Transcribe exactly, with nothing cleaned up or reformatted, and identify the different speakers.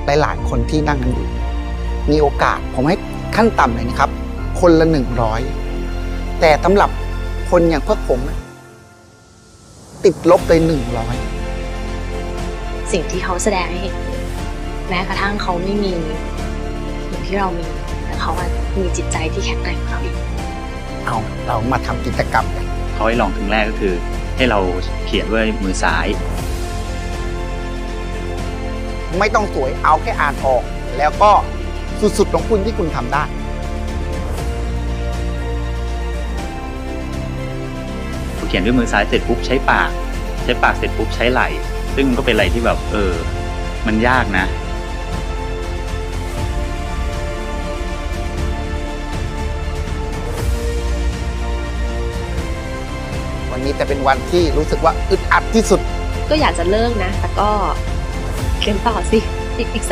Speaker 1: หลายๆคนที่นั่งกันอยู่มีโอกาสผมให้ขั้นต่ำเลยนะครับ คนละหนึ่งร้อยแต่สำหรับคนอย่างพวกผมนะติดลบเลยหนึ่งร้อย
Speaker 2: สิ่งที่เขาแสดงให้เห็นแม้กระทั่งเขาไม่มีอย่างที่เรามีแต่เขาอะมีจิตใจที่แข็งแกร่งกว่าเราอีก
Speaker 1: เอาเรามาทำกิจกรรมกัน
Speaker 3: เขาให้ลองครั้งแรกก็คือให้เราเขียนด้วยมือซ้าย
Speaker 1: ไม่ต้องสวยเอาแค่อ่านออก แล้วก็สุดๆของคุณที่คุณทำได้
Speaker 3: เขียนด้วยมือซ้ายเสร็จปุ๊บใช้ปาก ใช้ปากเสร็จปุ๊บใช้ไหล่ ซึ่งก็เป็นอะไรที่แบบเออมันยากนะ
Speaker 1: วันนี้จะเป็นวันที่รู้สึกว่าอึดอัดที่สุด
Speaker 2: ก็อยากจะเลิกนะ แต่ก็เขียนต่อสิอีกอีก